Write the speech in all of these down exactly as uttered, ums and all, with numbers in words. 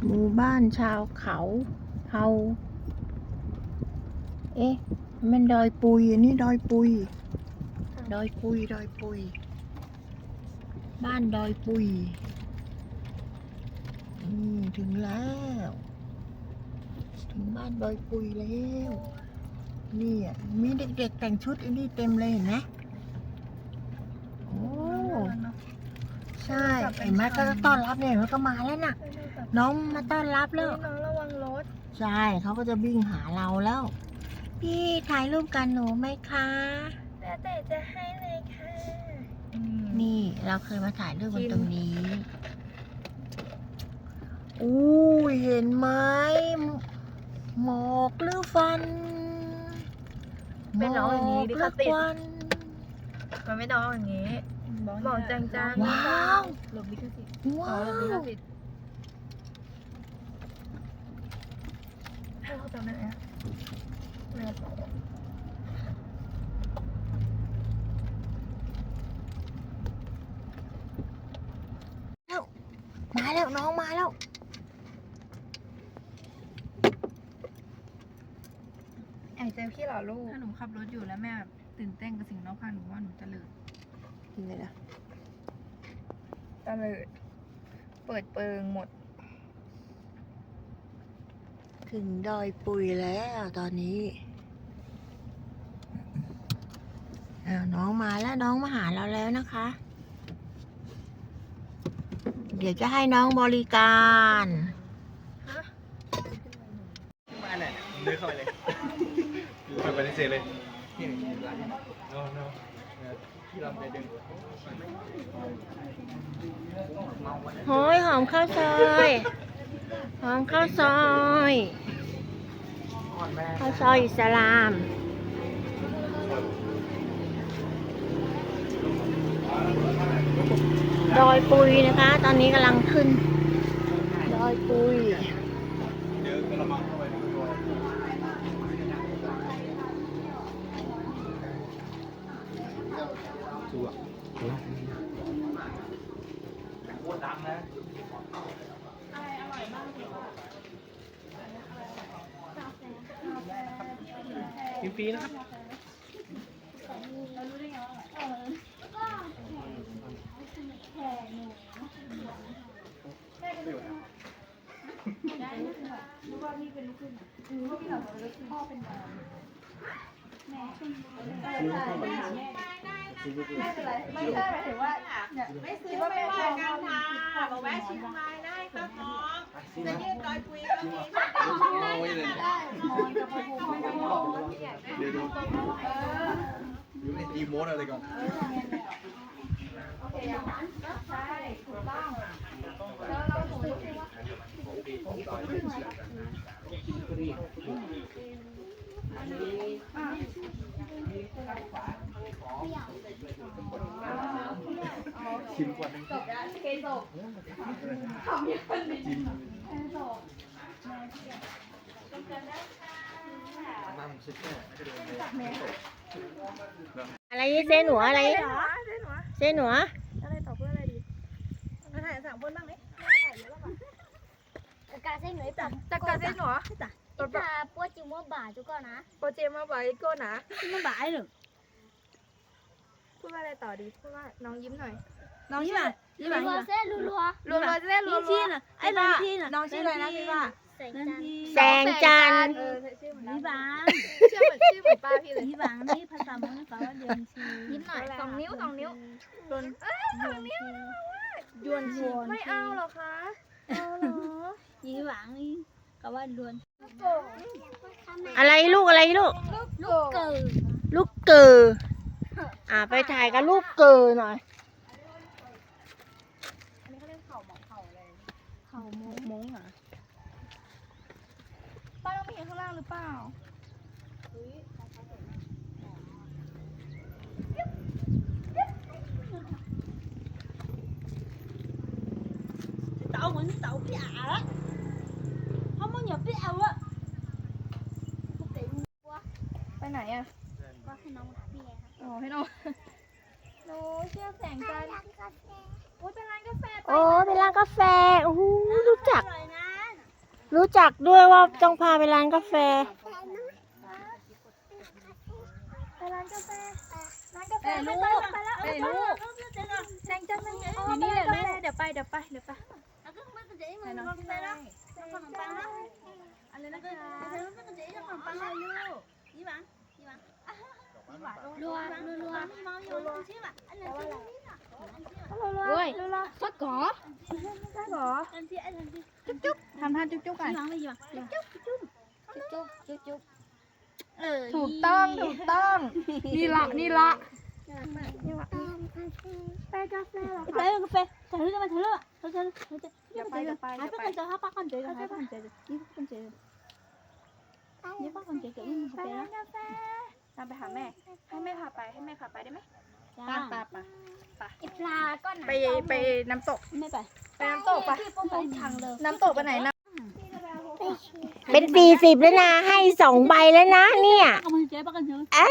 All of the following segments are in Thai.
หมู่บ้านชาวเขาเฮาเอ๊ะมันดอยปุยอันนี้ดอยปุยดอยปุยดอยปุยบ้านดอยปุยอืมถึงแล้วถึงบ้านดอยปุยแล้วนี่อ่ะมีเด็กๆแต่งชุดอันนี้เต็มเลยเห็นไหมโอ้ใช่เห็นไหมก็ต้อนรับเนี่ยมันก็มาแล้วน่ะน้องมาต้อนรับแล้วน้องระวังรถใช่เขาก็จะวิ่งหาเราแล้วพี่ถ่ายรูปกันหนูไหมคะแล้วแต่จะให้เลยค่ะนี่เราเคยมาถ่ายรูปกันตรงนี้อู้เห็นไหมหมอกหรือฟันเป็นน้องอย่างนี้ดิค่ะติดวันมันไม่น้องอย่างนี้บอกจางๆว้าวหลบลิขสิทธิ์ว้าอ๋อหลบลิขวสิทธิ์ให้เขาจำได้ไหมไม่เอามาแล้วน้องมาแล้วแอบเจอพี่เหรอลูกถ้าหนูขับรถอยู่แล้วแม่แบบตื่นเต้นกับสิ่งรอบข้างหนูว่าหนูจะเลิกนี่เลยนะตะเลิดเปิดเปิงหมดถึงดอยปุยแล้วตอนนี้อ้าวน้องมาแล้วน้องมาหาเราแล้วนะคะ เดี๋ยวจะให้น้องบริการมาไหนเดินเข้าไปเลยไปไปในเซเลยนี่ร้านนี้โน้โน้ที่เราไปดึงโอ้ยหอมข้าวซอยหอมข้าวซอยข้าวซอยอิสลามดอยปุยนะคะ ตอนนี้กำลังขึ้นดอยปุยเดี๋ยวกระมังเข้าไปในตัวชัวร์ชัวร์โคตรดังนะกินฟรีนะครับไม่ใช่หมายถึงว่าไม่ซื้อไม่ว่ากันค่ะบอกแวะชิมมาได้ครับน้องจะยืดดอยปุยก็มีได้ได้มอนกับภูมิไม่ต้องมองเดี๋ยวดูอยู่ในดีโมดอะไรก่อนโอเคอย่างนั้นใช่ถูกต้องแล้วเราถูกที่ว่าชิมก่อนนึงจบแล้วเคจบทำยังไงดีจบน้ำซุปเนี่ยอะไรเส้นหนูอะไรเส้นหนูเส้นหนูอะไรต่อเพื่ออะไรดีมาถ่ายสามคนบ้างไหมถ่ายเยอะแล้วป่ะ Taka saya ngai pa. จักรเส้นหนู Ita po chi mo ba chu ko na. โปรเจมาไว้ก้นนะ Mo ba ai được. พูดว่าอะไรต่อดีพูดว่าน้องยิ้มหน่อยน้องยี่หว่ายี่หว่า Lua se lu lua. รัวๆจะได้รัวพี่น่ะไอ้น้องพี่น่ะน้องชื่ออะไรนะพี่ว่า Sai นั่น chan. พี่แสงจันทร์เออชื่อเหมือนยี่หวางชื่อเหมือนชื่อเหมือนป้าพี่เลยยี่หวางนี่ภาษามงแปลว่าเดือนชียิ้มหน่อยสองนิ้วสองนิ้วเดือนเอ้ยสองนิ้วยวนชีไม่เอาหรอคะเอาหรอยี่หวางนี่ก็ว่าเดือนอะไรลูกอะไรลูกลูกเกิดลูกเกออ่าไปถ่ายกับลูกเกอหน่อยอันนี้เขาเรียกเข่าหมอกเข่าอะไรเขามงมงอ่ะป้าต้องไปเห็นข้างล่างหรือเปล่า tàu mình tàu cái ả đó không có nhập cái ảo á ไปไหนอ่ะก็ให้น้องหาพี่ไงครับอ๋อให้น้องหนูเชื่อแสงจันทร์โอ้ยเป็นร้านกาแฟโอ้เป็นร้านกาแฟโอ้โหรู้จักอร่อยนะรู้จักด้วยว่าต้องพาไปร้านกาแฟไปร้านกาแฟร้านกาแฟไปแล้วไปแล้วไปแล้วแซงจังเลยอยู่นี่เลยแม่เดี๋ยวไปเดี๋ยวไปเดี๋ยวไปไปน้องไปแล้วขนมปังนะอะไรนะคะรัวรัวรัวรวยฟักกอฟักกอจุ๊บจุ๊บทำท่าจุ๊บจุ๊บกันจุ๊บจุ๊บจุ๊บจุ๊บจุ๊บเออถูกต้องถูกต้องนี่ละนี่ละไปกาแฟเหรอไปกาแฟถ่ายรูปกันมาถ่ายรูปอ่ะถ่ายรูปถ่ายรูปเดี๋ยวไปเดี๋ยวไปหายไปกันเจอหายไปกันเจอหายไปกันเจอนี่กันเจอนี่ป้ากันเจอเกิดนี่ไปร้านกาแฟตามไปหาแม่ให้แม่พาไปให้แม่พาไปได้ไหมไปไปไปไปปลาก็ไปไปน้ำตกไม่ไปไปน้ำตกไปน้ำตกไปไหนนะเป็นสี่สิบแล้วนะ ให้สองใบแล้วนะเนี่ยเอามาเจ๊ป้ากันเถอะอ้า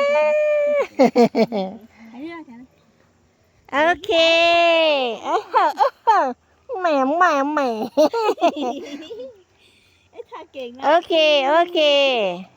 ไอ้เนี่ยแกโอเคเออเออแหมแหมแหมไอ้ท่าเก่งนะโอเค โอเค